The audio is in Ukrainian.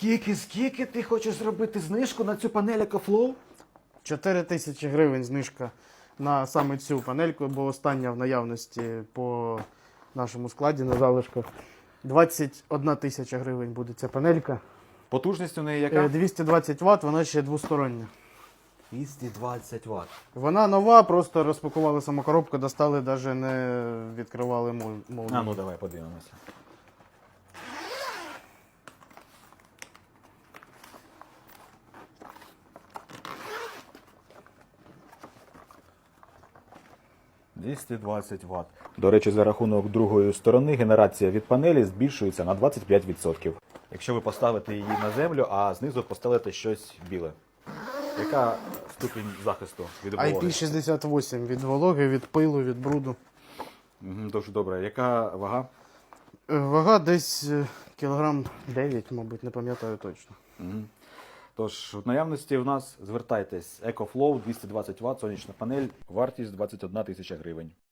Скільки ти хочеш зробити знижку на цю панель EcoFlow? 4 тисячі гривень знижка на саме цю панельку, бо остання в наявності по нашому складі на залишках. 21 тисяча гривень буде ця панелька. Потужність у неї яка? 220 Вт, вона ще двостороння. 220 Вт. Вона нова, просто розпакували саму коробку, достали, навіть не відкривали молнію. А ну давай подивимося. «220 Вт. До речі, за рахунок другої сторони генерація від панелі збільшується на 25%. Якщо ви поставите її на землю, а знизу поставите щось біле. Яка ступінь захисту від вологи? IP68 від вологи, від пилу, від бруду. Дуже добре. Яка вага? Вага десь кілограм 9, мабуть, не пам'ятаю точно. Тож, в наявності в нас звертайтесь. EcoFlow 220 Вт, сонячна панель, вартість 21 тисяча гривень.